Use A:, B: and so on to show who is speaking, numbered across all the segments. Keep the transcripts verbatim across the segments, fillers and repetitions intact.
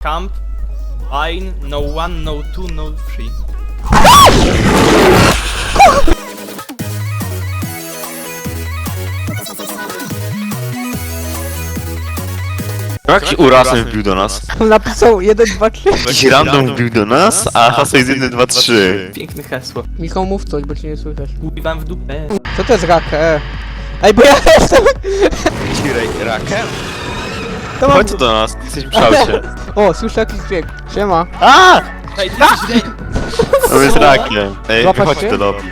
A: Camp, Ein, no one, no two, no three.
B: Jaki urasem wbił do nas?
C: Napisał jeden, dwa, trzy.
B: Jakiś random wbił do nas, a hasło jest jeden, dwa, trzy.
A: Piękne hasło.
C: Michał, mów coś, bo cię nie słychać.
A: Wam w dupę.
C: Co to jest rakę? Ej, bo ja jestem...
B: Ci rakiem?
C: To mam...
B: Chodź tu do nas, jesteśmy w szałcie.
C: O, słyszę jakiś dźwięk. Siema.
B: A!
A: Ej, ty jesteś źle.
B: To jest rakiem. Ej,
C: Złapać
B: wychodź
C: się?
B: do lobby.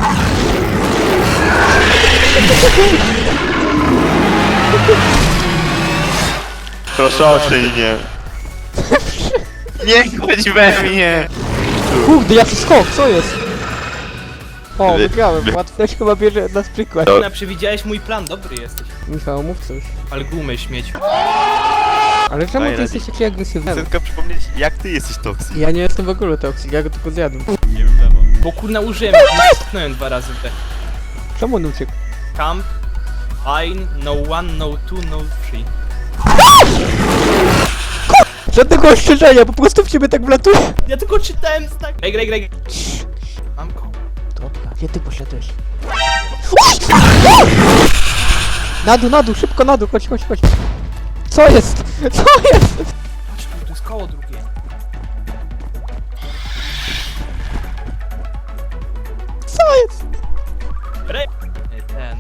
B: Proszę oszczędź mnie. Nie chodź we mnie!
C: Kurde, jaki skok, co jest? O,
B: Wy-
C: wygrałem.
B: wy-
C: Łatwo. Ktoś chyba bierze nas przykład.
B: To-
A: Na przewidziałeś mój plan, dobry jesteś.
C: Michał, mów coś.
A: Ale gumy śmieć.
C: Ale czemu
B: Daj
C: ty
B: radę.
C: jesteś taki agresywny?
B: Chcę tylko przypomnieć, jak ty jesteś toksik.
C: Ja nie jestem w ogóle toksik, ja go tylko zjadłem.
A: Bo kurna użyłem, nie dwa razy w te.
C: Czemu on uciekł?
A: Camp, Ein, no one, no two, no three.
C: Żadnego ostrzeżenia, po prostu w ciebie tak wlatuje.
A: Ja tylko czytałem znak. Ej, graj, graj. Mam go.
C: Dobra, gdzie ty poszedłeś? Na dół, na dół, szybko na dół, chodź, chodź, chodź. Co jest? Co jest?
A: Patrz tu, tu jest koło drugie.
C: Co jest?
A: Re... Ej, ten.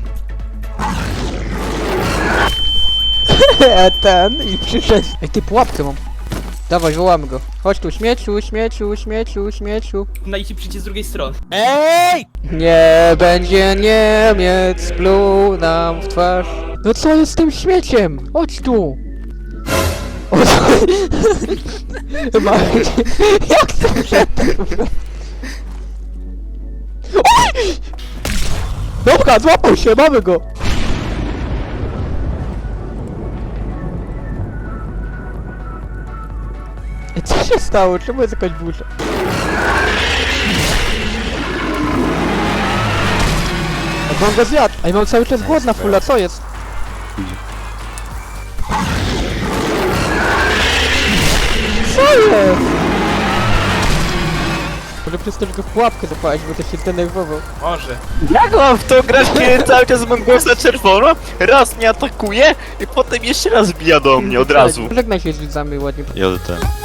C: E, ten i przyszedł. Ej, ty pułapkę mam. Dawaj, wołamy go. Chodź tu, śmieciu, śmieciu, śmieciu, śmieciu.
A: No i ci przyjdzie z drugiej strony.
C: Ej! Nie będzie Niemiec, pluł nam w twarz. No co jest z tym śmieciem? Chodź tu. O co? Chyba... Jak to wszedł? Oj! Dobra, złapał się, mamy go. Ej, co się stało? Czemu jest jakaś burza? Ej, mam go zjadł! Ej, mam cały czas głodna fulla, co jest? Co jest? Może przez to, że go w pułapkę zapałeś, bo też się zdenerwował.
A: Może.
B: Jak mam w to grać, kiedy cały czas mam głos na czerwono, raz mnie atakuje i potem jeszcze raz bija do mnie od razu.
C: Żegnaj się z widzami ładnie.
B: J T.